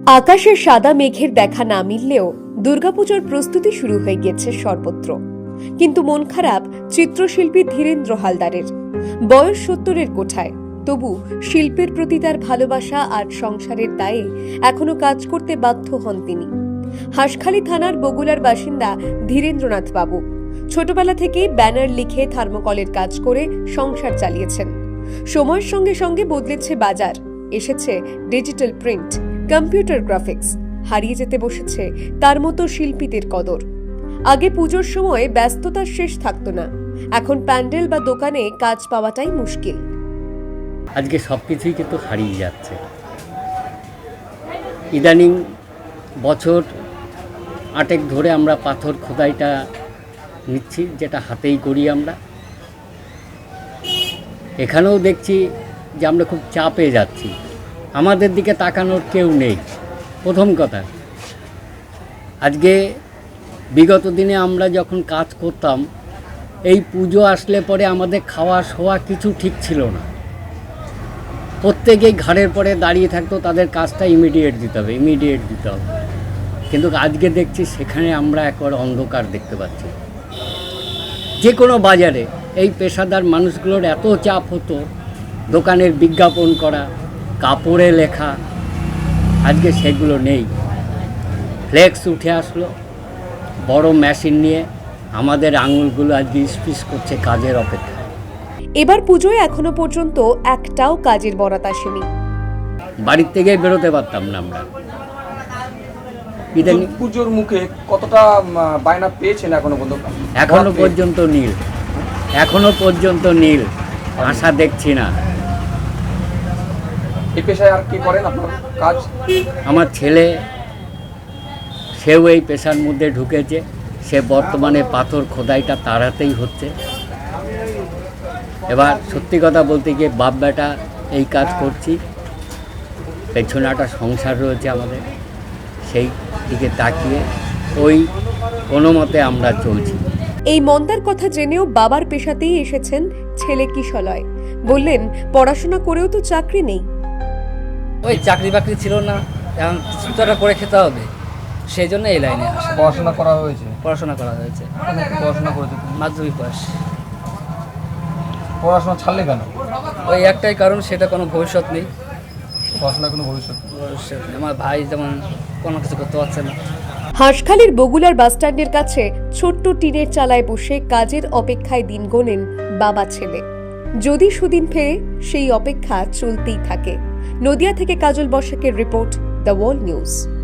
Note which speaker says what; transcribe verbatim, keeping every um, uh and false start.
Speaker 1: আকাশের সাদা মেঘের দেখা না মিললেও দুর্গাপুজোর প্রস্তুতি শুরু হয়ে গেছে সর্বত্র। কিন্তু মন খারাপ চিত্রশিল্পী ধীরেন্দ্র হালদারের। বয়স সত্তরের কোঠায়, তবু শিল্পের প্রতি তার ভালোবাসা আর সংসারের দায়ে এখনো কাজ করতে বাধ্য হন তিনি। হাঁসখালি থানার বগুলার বাসিন্দা ধীরেন্দ্রনাথ বাবু ছোটবেলা থেকেই ব্যানার লিখে থার্মোকলের কাজ করে সংসার চালিয়েছেন। সময়ের সঙ্গে সঙ্গে বদলেছে বাজার, এসেছে ডিজিটাল প্রিন্ট, কম্পিউটার গ্রাফিক্স, হারিয়ে যেতে বসেছে তার মতো শিল্পীদের কদর। আগে পুজোর সময় ব্যস্ততার শেষ থাকতো না, এখন প্যান্ডেল বা দোকানে কাজ পাওয়াটাই মুশকিল।
Speaker 2: আজকে সব কিছুই কিন্তু হারিয়ে যাচ্ছে। ইদানিং বছর আটেক ধরে আমরা পাথর খোদাইটা নিচ্ছি, যেটা হাতেই করি আমরা। এখানেও দেখছি যে আমরা খুব চাপে যাচ্ছি, আমাদের দিকে তাকানোর কেউ নেই। প্রথম কথা, আজকে বিগত দিনে আমরা যখন কাজ করতাম, এই পুজো আসলে পরে আমাদের খাওয়া শোয়া কিছু ঠিক ছিল না। প্রত্যেকেই ঘাড়ের পরে দাঁড়িয়ে থাকতো, তাদের কাজটা ইমিডিয়েট দিতে হবে ইমিডিয়েট দিতে হবে কিন্তু আজকে দেখছি সেখানে আমরা একবার অন্ধকার দেখতে পাচ্ছি। যে কোনো বাজারে এই পেশাদার মানুষগুলোর এত চাপ হতো, দোকানের বিজ্ঞাপন করা, কাপড়ে লেখা, আজকে সেগুলো নেই। ফ্লেক্স উঠে আসলো বড় মেশিন নিয়ে, আমাদের আঙুলগুলো আজকে স্পিস করছে কাজের অপেক্ষা।
Speaker 1: এবার পুজোয় এখনো পর্যন্ত একটাও কাজের বরাত আসেনি।
Speaker 2: বাড়ির থেকে বেরোতে পারতাম না আমরা।
Speaker 3: পুজোর মুখে কতটা বায়না পেয়েছেন এখনো পর্যন্ত?
Speaker 2: এখনো পর্যন্ত নীল, এখনো পর্যন্ত নীল, আশা দেখছি না।
Speaker 3: এই পেশায় আর কি করেন আপনার কাজ?
Speaker 2: আমার ছেলে, সেও এই পেশার মধ্যে ঢুকেছে, সে বর্তমানে পাথর খোদাইটা তার হাতেই হচ্ছে। এবার সত্যি কথা বলতে গিয়ে বাপ বেটা এই কাজ করছি, পেছনে একটা সংসার রয়েছে আমাদের, সেই দিকে তাকিয়ে ওই কোনো মতে আমরা চলছি।
Speaker 1: এই মন্দার কথা জেনেও বাবার পেশাতেই এসেছেন ছেলে কিশলয়। বললেন, পড়াশোনা করেও তো চাকরি নেই।
Speaker 4: ওই চাকরি বাকরি ছিল না, এখন কিছুটা করে খেতে হবে, সেই জন্য এই লাইনে আসা।
Speaker 3: পড়াশোনা করা হয়েছে?
Speaker 4: পড়াশোনা করা হয়েছে।
Speaker 3: পড়াশোনা করেছে?
Speaker 4: মাধ্যমিক পাস।
Speaker 3: পড়াশোনা ছাড়লে কেন?
Speaker 4: ওই একটাই কারণ, সেটা কোনো ভবিষ্যৎ নেই।
Speaker 3: পড়াশোনা কোনো ভবিষ্যৎ
Speaker 4: ভবিষ্যৎ নেই। আমার ভাই যেমন কোনো কিছু করতে পারছে না।
Speaker 1: হাঁসখালির বগুলার বাসস্ট্যান্ডের কাছে ছোট্ট টিনের চালায় বসে কাজের অপেক্ষায় দিন গোনেন বাবা ছেলে। যদি সুদিন ফেরে, সেই অপেক্ষা চলতেই থাকে। নদিয়া থেকে কাজল বসাকের রিপোর্ট, দ্য ওয়ার্ল্ড নিউজ।